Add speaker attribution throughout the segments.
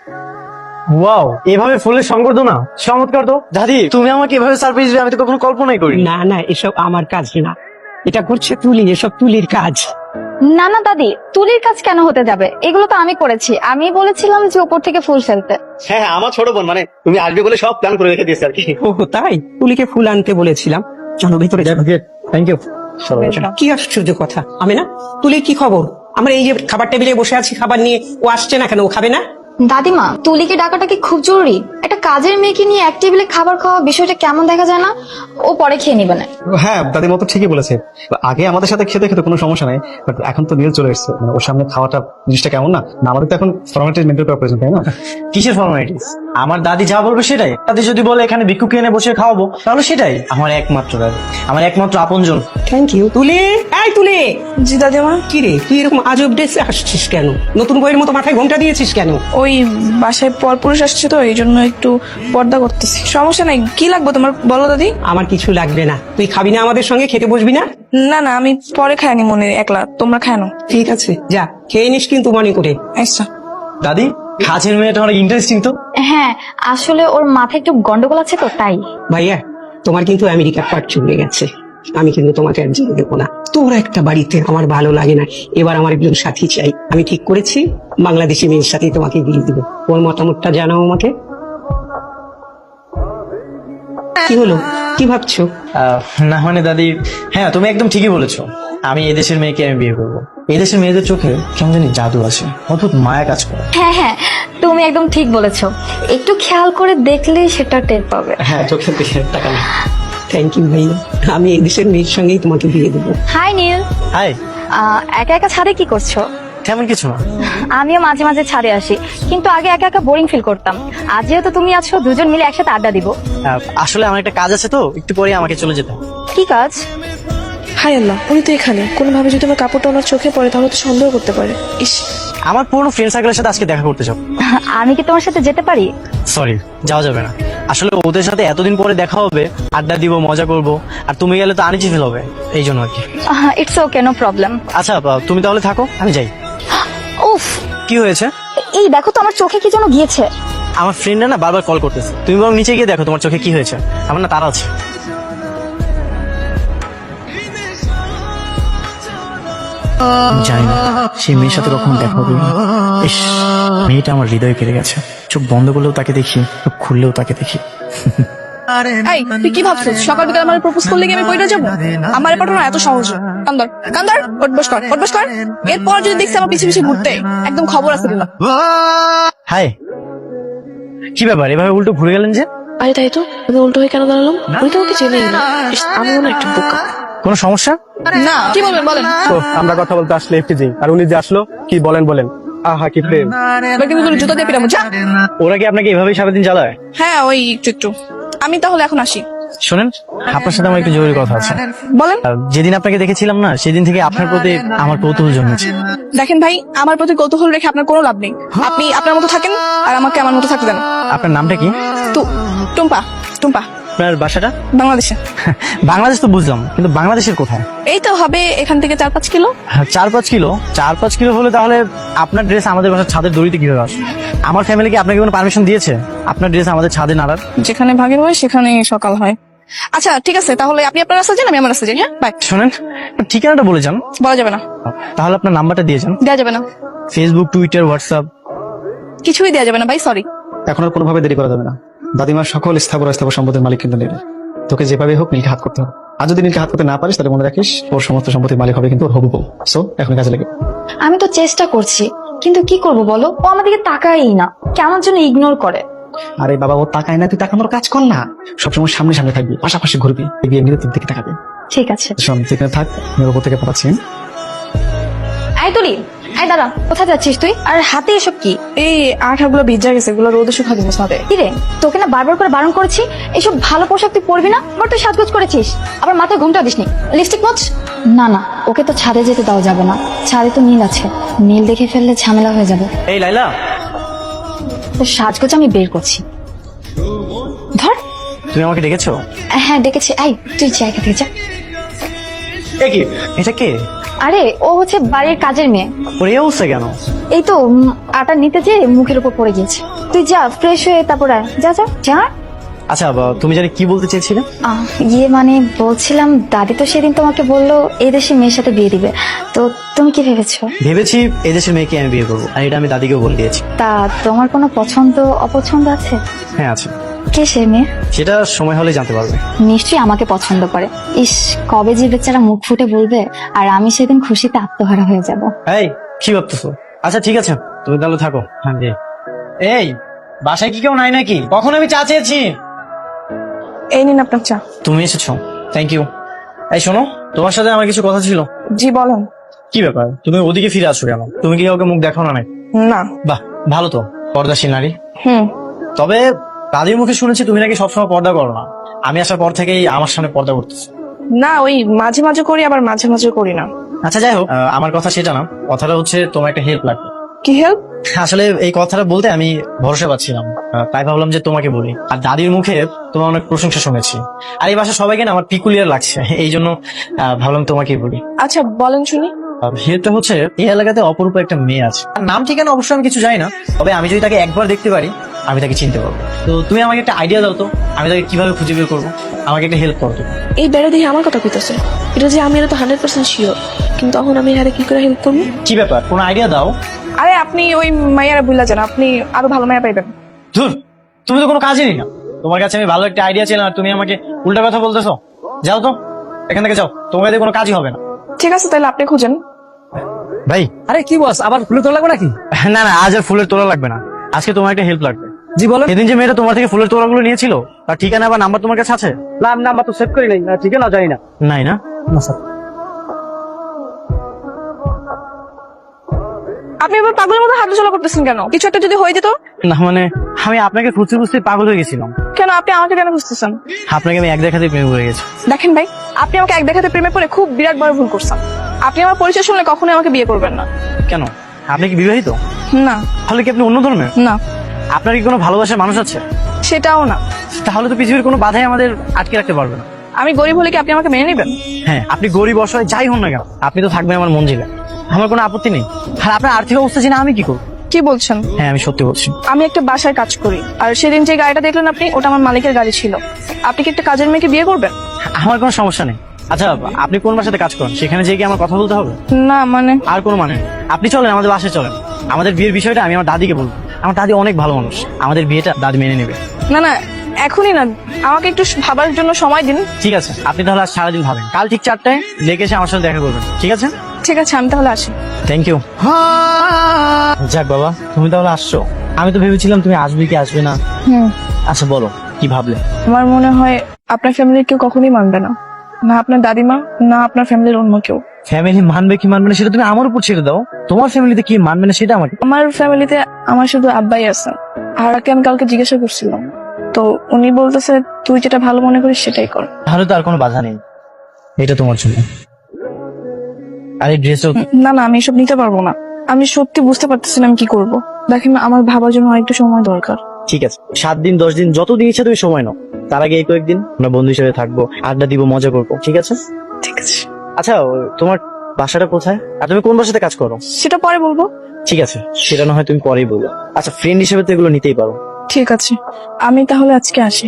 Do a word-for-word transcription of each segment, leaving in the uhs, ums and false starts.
Speaker 1: Wow, এভাবে ফুলের সংবর্ধনা চমৎকার তো। দাদি, তুমি আমাকে এভাবে সারপ্রাইজ দিবে আমি তো কখনো কল্পনাই করি।
Speaker 2: না না, এসব আমার কাজ না, এটা করছে তুলি, এসব তুলির কাজ।
Speaker 3: না না দাদি, তুলির কাজ কেন হতে যাবে? এগুলো তো আমি করেছি। আমি বলেছিলাম যে উপর থেকে ফুল ফেলতে।
Speaker 1: হ্যাঁ হ্যাঁ, আমার ছোট বোন, মানে তুমি আসবে বলে সব প্ল্যান করে রেখে দিয়েছে আর কি।
Speaker 2: ও তাই, তুলিকে ফুল আনতে বলেছিলাম। চলো ভিতরে যাবো।
Speaker 1: Thank you.
Speaker 2: কি আশ্চর্য কথা, আমি না, তুলির কি খবর? আমরা এই যে খাবার টেবিলে বসে আছি, খাবার নিয়ে, ও আসছে না কেন? ও খাবে না?
Speaker 3: দাদিমা, তুলিকে ডাকাটা কি খুব জরুরি? একটা কাজের মেয়েকে নিয়ে এক টেবিলে খাবার খাওয়া বিষয়টা কেমন দেখা যায় না? ও পরে খেয়ে নিবে না।
Speaker 4: হ্যাঁ, দাদিমা তো ঠিকই বলেছে। আগে আমাদের সাথে খেতে খেতে কোনো সমস্যা নাই, বাট এখন তো নীল চলে এসেছে, মানে ওর সামনে খাওয়াটা জিনিসটা কেমন না? না, আমাদের তো এখন ফর্মালিটি মেনটেন করা প্রয়োজন, তাই না?
Speaker 1: কিসের ফর্মালিটিস? আমার দাদি যা বলবে সেটাই। দাদি যদি বলে এখানে ভিক্ষুক এনে বসে খাওয়াবো, তাহলে সেটাই। আমার একমাত্র দাদি, আমার একমাত্র আপনজন।
Speaker 2: Thank you. তুলি, এই তুলি।
Speaker 5: জি দাদিমা।
Speaker 2: কি রে, তুই এরকম আজব ড্রেসে আসছিস কেন? নতুন বইয়ের মতো মাথায় ঘোমটা দিয়েছিস কেন?
Speaker 5: ওই বাসায় পরপুরুষ আসছে তো, এই জন্য একটু পর্দা করতেছি। সমস্যা নাই, কি লাগবে তোমার বলো দাদি?
Speaker 2: আমার কিছু লাগবে না। তুই খাবি না আমাদের সঙ্গে? খেতে বসবি না?
Speaker 5: না না, আমি পরে খাইনি মনে, একলা তোমরা খায় না।
Speaker 2: ঠিক আছে, যা খেয়ে নিস কিন্তু মনে করে।
Speaker 5: আচ্ছা।
Speaker 1: দাদি, কাজের মেয়েটা অনেক ইন্টারেস্টিং তো।
Speaker 3: হ্যাঁ, আসলে ওর মাথায় একটু গন্ডগোল আছে তো, তাই।
Speaker 2: ভাইয়া, তোমার কিন্তু আমেরিকার পাট চলে গেছে। আমি কিন্তু তোমাকে আর যেতে দেবো না। তোর একটা বাড়িতে আমার ভালো লাগে না। এবার আমার একজন সাথী চাই। আমি ঠিক করেছি বাংলাদেশি মেয়ের সাথে তোমাকে বিয়ে দেবো। ওর মতামতটা জানাও আমাকে। কি হলো, কি ভাবছো?
Speaker 1: আহ, না মানে দাদি, হ্যাঁ তুমি একদম ঠিকই বলেছো। আমি এই দেশের মেয়েকে আমি বিয়ে করবো। এই দেশের মেয়েদের চোখে কেমন জানি জাদু আছে, অদ্ভুত মায়া কাজ করে।
Speaker 3: হ্যাঁ হ্যাঁ, তুমি একদম ঠিক বলেছো। একটু খেয়াল করে দেখলেই সেটা টের পাবে।
Speaker 1: হ্যাঁ, চোখের দিকে তাকালে।
Speaker 2: থ্যাংক ইউ ভাইয়া, আমি এই দেশের মেয়ের সঙ্গেই তোমাকে বিয়ে দেবো।
Speaker 3: হাই নীল।
Speaker 1: হাই।
Speaker 3: আহ, একা একা ছাদে কি করছো?
Speaker 1: তেমন কিছু না।
Speaker 3: আমিও মাঝে মাঝে ছাদে আসি, কিন্তু আগে একা একা বোরিং ফিল করতাম। আজ যেহেতু তুমি আছো, দুজন মিলে একসাথে আড্ডা দিব।
Speaker 1: আহ, আসলে আমার একটা কাজ আছে তো, একটু পরে আমাকে চলে যেতে হবে।
Speaker 3: কি কাজ?
Speaker 5: হাই আল্লাহ, উনি তো এখানে। কোনোভাবে যদি আমার কাপড়টা ওনার চোখে পড়ে তাহলে তো সন্দেহ করতে পারে। ইস,
Speaker 1: আমার পুরনো ফ্রেন্ড সার্কেলের সাথে আজকে দেখা করতে চাও।
Speaker 3: আমি কি তোমার সাথে যেতে পারি?
Speaker 1: সরি, যাওয়া যাবে না। আসলে ওদের সাথে এতদিন পরে দেখা হবে, আড্ডা দিব, মজা করব, আর তুমি গেলে তো আনিজি ফিল হবে, এই জন্য আর কি।
Speaker 3: It's okay, no problem.
Speaker 1: আচ্ছা, আহ, তুমি তাহলে থাকো, আমি যাই।
Speaker 3: উফ,
Speaker 1: কি হয়েছে?
Speaker 3: এই দেখো তো, আমার চোখে কি যেন গিয়েছে।
Speaker 1: আমার ফ্রেন্ডরা না বারবার কল করতেছে, তুমি বরং নিচে গিয়ে দেখো তোমার চোখে কি হয়েছে। আমার না তারা আছে। জানি না সেই মেয়ের সাথে কখন দেখা হবে। ইস, মেয়েটা আমার হৃদয়ে কেড়ে গেছে। চোখ বন্ধ করলেও তাকে দেখি, চোখ খুললেও তাকে দেখি।
Speaker 5: এই তুই কি ভাবছিস? সকাল বিকাল আমার প্রপোজ করলে কি আমি পয়টা যাবো? আমার পাঠানো এত সহজ? কান্দর কান্দর, উঠবস কর, উঠবস কর। এরপর যদি দেখছি আমার পিছিয়ে পিছিয়ে ঘুরতে, একদম খবর আছে দিলাম।
Speaker 1: হাই, কি ব্যাপার এভাবে উল্টো ঘুরে গেলেন যে?
Speaker 5: আরে তাই তো, আমি উল্টো হয়ে কেন দাঁড়ালাম? আমি তো ওকে চিনি না। ইস, আমি মনে হয় একটা বোকা।
Speaker 1: কোনো সমস্যা?
Speaker 5: না, কি বলবেন বলেন।
Speaker 4: তো আমরা কথা বলতে আসলে একটু যাই, আর উনি যে আসলো, কি বলেন বলেন। আহা কি প্রেম।
Speaker 5: এবার কিন্তু তোর জুতা দিয়ে পিটাবো, যা।
Speaker 1: ওরা কি আপনাকে এভাবেই সারাদিন চালায়?
Speaker 5: হ্যাঁ, ওই একটু একটু। আমি তাহলে এখন আসি।
Speaker 1: শোনেন, আপনার সাথে আমার একটু জরুরি কথা আছে।
Speaker 5: বলেন।
Speaker 1: আহ, যেদিন আপনাকে দেখেছিলাম না, সেদিন থেকে আপনার প্রতি আমার কৌতূহল জন্মেছে।
Speaker 5: দেখেন ভাই, আমার প্রতি কৌতূহল রেখে আপনার কোনো লাভ নেই। আপনি আপনার মতো থাকেন, আর আমাকে আমার মতো থাকতে দেন।
Speaker 1: আপনার নামটা কি?
Speaker 5: তু টুম্পা। টুম্পা।
Speaker 1: আপনার বাসাটা?
Speaker 5: বাংলাদেশে।
Speaker 1: বাংলাদেশ তো বুঝলাম, কিন্তু বাংলাদেশের কোথায়?
Speaker 5: এই তো হবে এখান থেকে চার পাঁচ কিলো।
Speaker 1: হ্যাঁ, চার পাঁচ কিলো চার পাঁচ কিলো হলে তাহলে আপনার ড্রেস আমাদের বাসার ছাদের দড়িতে কিভাবে আসে? আমার ফ্যামিলি কি আপনাকে কোনো পারমিশন দিয়েছে আপনার ড্রেস আমাদের ছাদে নাড়ার?
Speaker 5: যেখানে ভাগের হয় সেখানে সকাল হয়। আচ্ছা ঠিক আছে, তাহলে আপনি আপনার রাস্তা যান, আমি আমার রাস্তা যাই। হ্যাঁ, বাই।
Speaker 1: শোনেন, আপনার ঠিকানাটা বলে যান।
Speaker 5: বলা যাবে না।
Speaker 1: তাহলে আপনার নাম্বারটা দিয়ে যান।
Speaker 5: দেওয়া যাবে না।
Speaker 1: ফেসবুক, টুইটার, হোয়াটসঅ্যাপ
Speaker 5: কিছুই দেওয়া যাবে না ভাই, সরি।
Speaker 4: এখন আর কোনোভাবে দেরি করা যাবে না। দাদিমার সকল স্থাবর অস্থাবর সম্পদের মালিক কিন্তু নীল। তোকে যেভাবে হোক নীলকে হাত করতে হবে। আর যদি নীলকে হাত করতে না পারিস, তাহলে মনে রাখিস ওর সমস্ত সম্পত্তির মালিক হবে কিন্তু ওর হবু বউ। সো এখন কাজে লেগে।
Speaker 3: আমি তো চেষ্টা করছি, কিন্তু কি করব বলো? ও আমাদেরকে তাকায়ই না, কেমন যেন ইগনোর করে।
Speaker 4: আরে বাবা, ও তাকায় না, তুই তাকানোর কাজ কর না। সবসময় সামনে সামনে থাকবি, পাশাপাশি ঘুরবি, এগিয়ে নিলে তোর দিকে তাকাবে।
Speaker 3: ঠিক আছে।
Speaker 4: শোন, যেখানে থাক, আমি ওর উপর থেকে পাঠাচ্ছি।
Speaker 3: আই তুলি, আই দাঁড়া, কোথায় যাচ্ছিস তুই? আর হাতে এসব কি?
Speaker 5: এই আঠাগুলো ভিজা গেছে, এগুলো রোদে শুকা দিব সাথে।
Speaker 3: কি রে, তোকে না বারবার করে বারণ করেছি এসব ভালো পোশাক তুই পরবি না। আবার তুই সাজগোজ করেছিস, আবার মাথায় ঘুমটা দিসনি, লিপস্টিক মোচ। না না, ওকে তো ছাদে যেতে দেওয়া যাবে না। ছাদে তো নীল আছে, নীল দেখে ফেললে ঝামেলা হয়ে যাবে।
Speaker 1: এই লাইলা,
Speaker 3: তো সাজগোজ আমি বের করছি। ধর।
Speaker 1: তুমি আমাকে ডেকেছো?
Speaker 3: হ্যাঁ ডেকেছি। আই তুই জায়গা থেকে যা।
Speaker 1: এ কি, এটা কে?
Speaker 3: আরে ও হচ্ছে বাড়ির কাজের মেয়ে।
Speaker 1: ওর এই অবস্থা কেন?
Speaker 3: এই তো উম, আটা নিতে যে মুখের উপর পড়ে গিয়েছে। তুই যা ফ্রেশ হয়ে তারপর আয়। যা যা যা।
Speaker 1: আচ্ছা বা- তুমি জানি কি বলতে চেয়েছিলে?
Speaker 3: আহ, ইয়ে মানে বলছিলাম দাদি তো সেদিন তোমাকে বললো এই দেশে মেয়ের সাথে বিয়ে দিবে, তো তুমি কি ভেবেছো?
Speaker 1: ভেবেছি এই দেশের মেয়েকে আমি বিয়ে করবো, আর এটা আমি দাদিকেও বলে দিয়েছি।
Speaker 3: তা তোমার কোনো পছন্দ অপছন্দ আছে?
Speaker 1: হ্যাঁ আছে।
Speaker 3: কে সে মেয়ে?
Speaker 1: সেটা সময় হলে জানতে পারবে।
Speaker 3: নিশ্চয়ই আমাকে পছন্দ করে। ইস, কবে যে বেচারা মুখ ফুটে বলবে, আর আমি সেদিন খুশিতে আত্মহারা হয়ে যাব।
Speaker 1: এই কি ভাবতেছো? আচ্ছা ঠিক আছে, তুমি তাহলে থাকো। হ্যাঁ জি। এই বাসায় কি কেউ নাই নাকি? কখন আমি চা চেয়েছি?
Speaker 5: এই নিন আপনার চা।
Speaker 1: তুমি এসেছো, থ্যাংক ইউ। এই শোনো, তোমার সাথে আমার কিছু কথা ছিল।
Speaker 5: জি বলেন।
Speaker 1: কি ব্যাপার, তুমি ওদিকে ফিরে আসো কেন? তুমি কি কাউকে মুখ দেখাও না নাকি?
Speaker 5: না।
Speaker 1: বাহ, ভালো তো, পর্দাশীল নারী।
Speaker 5: হুম।
Speaker 1: তবে দাদির মুখে শুনেছি তুমি নাকি সবসময় পর্দা করো না। আমি আসার পর থেকেই আমার সামনে পর্দা করতেছি।
Speaker 5: না, ওই মাঝে মাঝে করি, আবার মাঝে মাঝে করি না।
Speaker 1: আচ্ছা যাই হোক, আহ, আমার কথা সেটা না, কথাটা হচ্ছে তোমার একটা হেল্প লাগবে।
Speaker 5: কি হেল্প?
Speaker 1: আসলে এই কথাটা বলতে আমি ভরসা পাচ্ছিলাম, আহ, তাই ভাবলাম যে তোমাকে বলি। আর দাদির মুখে তোমার অনেক প্রশংসা শুনেছি, আর এই বাসা সবাইকে না আমার পিকুলিয়ার লাগছে, এই জন্য আহ, ভাবলাম তোমাকেই বলি।
Speaker 5: আচ্ছা বলেন শুনি।
Speaker 1: হেল্পটা হচ্ছে, এই এলাকাতে অপরূপ একটা মেয়ে আছে। তার নাম ঠিকানা অবশ্যই আমি কিছু জানি না, তবে আমি যদি তাকে একবার দেখতে পারি আমি তাকে চিনতে পারবো। তো তুমি আমাকে একটা আইডিয়া দাও তো, আমি তাকে কিভাবে খুঁজে বের করবো। আমাকে একটা হেল্প করো তুমি।
Speaker 5: এই বেড়া দেখে আমার কথা কইতেছে, এটা যে আমি এটা তো হান্ড্রেড পার্সেন্ট শিওর, কিন্তু তখন আমি আরে কি করে হেল্প করবো?
Speaker 1: কি ব্যাপার, কোনো আইডিয়া দাও।
Speaker 5: আরে আপনি ওই মাইয়ারা বুঝলা যান, আপনি আরো ভালো মায়া পাইবেন।
Speaker 1: ধুর, তুমি তো কোনো কাজই নেই না। তোমার কাছে আমি ভালো একটা আইডিয়া ছিলাম আর তুমি আমাকে উল্টা কথা বলতেছো। যাও তো এখান থেকে, যাও, তোমার কাছে কোনো কাজই হবে না।
Speaker 5: ঠিক আছে তাহলে আপনি খুঁজেন।
Speaker 1: ভাই
Speaker 6: আরে কি বস, আবার ফুলে তোলা লাগবে নাকি?
Speaker 1: না না, আজ আর ফুলের তোলা লাগবে না, আজকে তোমার একটা হেল্প লাগবে।
Speaker 6: জি বলেন।
Speaker 1: সেদিন যে মেয়েটা তোমার থেকে ফুলের তোলাগুলো নিয়েছিল, তার ঠিকানা বা নাম্বার তোমার কাছে আছে?
Speaker 6: নাম নাম্বার তো সেভ করি নাই, ঠিক আছে না, জানি না।
Speaker 1: নাই না?
Speaker 6: না স্যার।
Speaker 5: আপনি এবার পাগলের মতো হাঁটাচলা করতেছেন কেন? কিছু একটা যদি হয়ে যেত?
Speaker 1: না মানে আমি আপনাকে খুঁজতে খুঁজতে পাগল হয়ে গেছিলাম।
Speaker 5: কেন আপনি আমাকে কেন খুঁজতেছেন?
Speaker 1: আপনাকে আমি এক দেখাতে প্রেমে পড়ে গেছি।
Speaker 5: দেখেন ভাই, আপনি আমাকে এক দেখাতে প্রেমে পড়ে খুব বিরাট বড় ভুল করছেন। আপনি আমার পরিচয় শুনলে কখনোই আমাকে বিয়ে করবেন না।
Speaker 1: কেন, আপনি কি বিবাহিত?
Speaker 5: না।
Speaker 1: তাহলে কি আপনি অন্য ধর্মের?
Speaker 5: না,
Speaker 1: আপনার কি কোনো ভালোবাসার মানুষ আছে?
Speaker 5: সেটাও না।
Speaker 1: তাহলে তো পৃথিবীর কোনো বাধাই আমাদের আটকে রাখতে পারবে না।
Speaker 5: আমি গরিব হলে কি আপনি আমাকে মেনে নেবেন?
Speaker 1: হ্যাঁ, আপনি গরিব অসহায় যাই হন না কেন, আপনি তো থাকবেন আমার মঞ্জিলে, আমার কোনো আপত্তি নেই। আর আপনার আর্থিক অবস্থা জেনে আমি কি করবো?
Speaker 5: কি বলছেন?
Speaker 1: হ্যাঁ আমি সত্যি বলছি।
Speaker 5: আমি একটা বাসায় কাজ করি, আর সেদিন যে গাড়িটা দেখলেন আপনি, ওটা আমার মালিকের গাড়ি ছিল। আপনি কি একটা কাজের মেয়েকে বিয়ে করবেন?
Speaker 1: আমার কোনো সমস্যা নেই। আচ্ছা আপনি কোন বাসাতে কাজ করেন, সেখানে যেয়ে কি আমার কথা বলতে হবে?
Speaker 5: না মানে
Speaker 1: আর কোনো মানে নেই। আপনি চলেন আমাদের বাসায় চলেন, আমাদের বিয়ের বিষয়টা আমি আমার দাদিকে বলবো। আমার দাদি অনেক ভালো মানুষ, আমাদের বিয়েটা দাদি মেনে নেবে।
Speaker 5: না না, এখনই না, আমাকে একটু ভাবার জন্য সময় দিন।
Speaker 1: ঠিক আছে, আপনি তাহলে আজ সারাদিন ভাবেন, কাল ঠিক চারটায় লেগে এসে আমার সাথে দেখা করবেন, ঠিক আছে?
Speaker 5: ঠিক আছে, আমি তাহলে আসি।
Speaker 1: Thank you. যাক বাবা, তুমি তাহলে আসছো। আমি তো ভেবেছিলাম তুমি আসবে কি আসবে না।
Speaker 5: হুম।
Speaker 1: আচ্ছা বলো, কি ভাবলে?
Speaker 5: আমার মনে হয় আপনার ফ্যামিলির কেউ কখনোই মানবে না, না আপনার দাদিমা, না আপনার ফ্যামিলির অন্য কেউ।
Speaker 1: ফ্যামিলি মানবে কি মানবে না সেটা তুমি আমার উপর ছেড়ে দাও, তোমার ফ্যামিলিতে কি মানবে না সেটা আমাকে।
Speaker 5: আমার ফ্যামিলিতে আমার শুধু আব্বাই আছে, আর ওকে আমি কালকে জিজ্ঞাসা করছিলাম, তো উনি বলতেছে তুই যেটা ভালো মনে করিস সেটাই কর।
Speaker 1: তাহলে তো আর কোনো বাধা নেই, এটা তোমার জন্য। আর এই ড্রেসও
Speaker 5: না না, আমি এসব নিতে পারবো না। আমি সত্যি বুঝতে পারতেছি না আমি কি করব। দেখেন আমার ভাবার জন্য আরেকটু সময় দরকার।
Speaker 1: ঠিক আছে, সাত দিন দশ দিন যত দিন ইচ্ছা তুমি সময় নাও, তার আগে এই কয়েকদিন আমরা বন্ধু হিসেবে থাকবো, আড্ডা দিব, মজা করবো, ঠিক আছে?
Speaker 5: ঠিক আছে।
Speaker 1: আচ্ছা তোমার বাসাটা কোথায়, আর তুমি কোন বাসাতে কাজ করো?
Speaker 5: সেটা পরে বলবো।
Speaker 1: ঠিক আছে, সেটা না হয় তুমি পরেই বলো। আচ্ছা ফ্রেন্ড হিসেবে তো এগুলো নিতেই পারো।
Speaker 5: ঠিক আছে, আমি তাহলে আজকে আসি।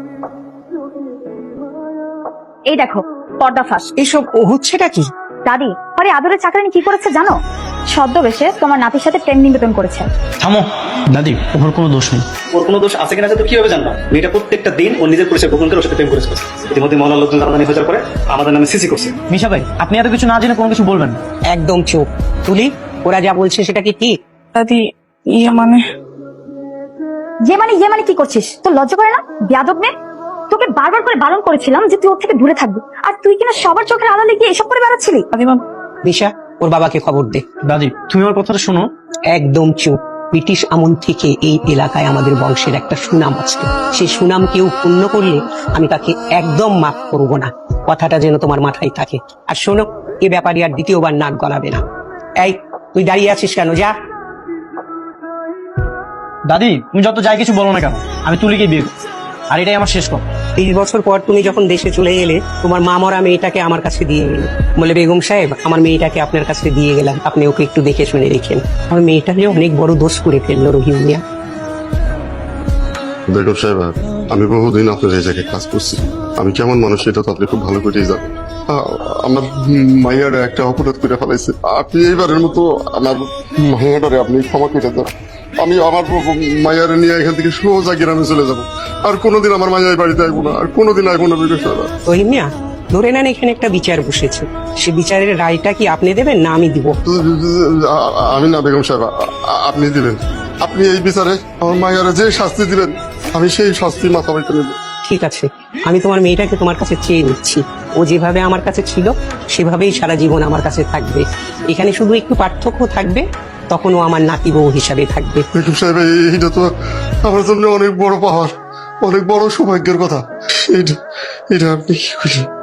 Speaker 3: এই দেখো পর্দা ফাঁস।
Speaker 2: এসব হচ্ছেটা কি?
Speaker 3: দাদি আরে আদরের চাকরানি কি করেছে জানো? ছদ্মবেশে তোমার নাতির সাথে প্রেম নিবেদন করেছে।
Speaker 1: থামো দাদি, ওর কোনো দোষ নেই।
Speaker 7: ওর কোনো দোষ আছে কিনা তো কিভাবে জানলাম? মেয়েটা প্রত্যেকটা দিন ওর নিজের পরিচয় গোপন করে ওর সাথে প্রেম করেছে। ইতিমধ্যে মহল্লার লোকজন জানাজানি হয়ে যাওয়ার পরে আমাদের নামে সিসি করছে।
Speaker 1: মিশা ভাই, আপনি এত কিছু না জেনে কোনো কিছু বলবেন না।
Speaker 2: একদম চুপ। তুলি, ওরা যা বলছে সেটা কি ঠিক?
Speaker 5: দাদি ইয়ে মানে
Speaker 3: যে মানে ইয়ে মানে কি করছিস? তোর লজ্জা করে না? বেয়াদব মেয়ে, তোকে বারবার করে বারণ করেছিলাম যে তুই ওর থেকে দূরে থাকবি, আর তুই কিনা সবার চোখের আড়ালে গিয়ে এসব করে বেড়াচ্ছিলি।
Speaker 5: দাদিমা,
Speaker 2: দিশা, ওর বাবাকে খবর দে।
Speaker 1: দাদি তুমি আমার কথাটা শোনো।
Speaker 2: একদম চুপ। ব্রিটিশ আমল থেকে এই এলাকায় আমাদের বংশের একটা সুনাম আছে, সেই সুনাম কেউ পূর্ণ করলে আমি তাকে একদম মাফ করব না। কথাটা যেন তোমার মাথায় থাকে। আর শোনো, এ ব্যাপারে আর দ্বিতীয়বার নাক গলাবে না। এই, তুই দাঁড়িয়ে আছিস কেন? যা।
Speaker 1: দাদি তুমি যত যাই কিছু বলো না কেন, আমি তুলিকে বিয়ে করব, আর এটাই আমার শেষ কথা।
Speaker 2: তিরিশ বছর পর তুমি যখন দেশে চলে গেলে তোমার মা মরা মেয়েটাকে আমার কাছে দিয়ে গেলে, বলে বেগম সাহেব আমার মেয়েটাকে আপনার কাছে দিয়ে গেলাম, আপনি ওকে একটু দেখে শুনে রেখেন। আমার মেয়েটা যে অনেক বড় দোষ করে ফেললো রহিম মিয়া।
Speaker 8: বেগম সাহেব, আমি বহুদিন আপনার এই জায়গায় কাজ করছি, আমি কেমন মানুষ এটা তো আপনি খুব ভালো করেই জানেন। আ- আমার মাইয়ারে একটা অপরাধ করে ফেলাইছে, আপনি এইবারের মতো আমার মাইয়াটারে আপনি ক্ষমা করে দেন। আমি আমার মাইয়ারে নিয়ে এখান থেকে সোজা গ্রামে চলে যাব, আর কোনোদিন আমার মাইয়ার বাড়িতে আসবো না, আর কোনোদিন আসবো না বেগম সাহেব।
Speaker 2: রহিম মিয়া, ধরে নেন এখানে একটা বিচার বসেছে, সে বিচারের রায়টা কি আপনি দেবেন না আমি দিব?
Speaker 8: আ- আমি না বেগম সাহেব, আ- আ- আপনি দিবেন। আপনি এই বিচারে আমার মাইয়ারে যে শাস্তি দিবেন আমি সেই শাস্তি মাথা বাইতে নেব।
Speaker 2: ঠিক আছে, আমি তোমার মেয়েটাকে তোমার কাছে চেয়ে নিচ্ছি। ও যেভাবে আমার কাছে ছিল সেভাবেই সারা জীবন আমার কাছে থাকবে। এখানে শুধু একটু পার্থক্য থাকবে, তখন ও আমার নাতি বউ হিসাবে থাকবে।
Speaker 8: বেগম সাহেব, এই- এইটা তো আমার জন্য অনেক বড় পাওয়ার, অনেক বড় সৌভাগ্যের কথা। এটা এটা আপনি কি করলেন?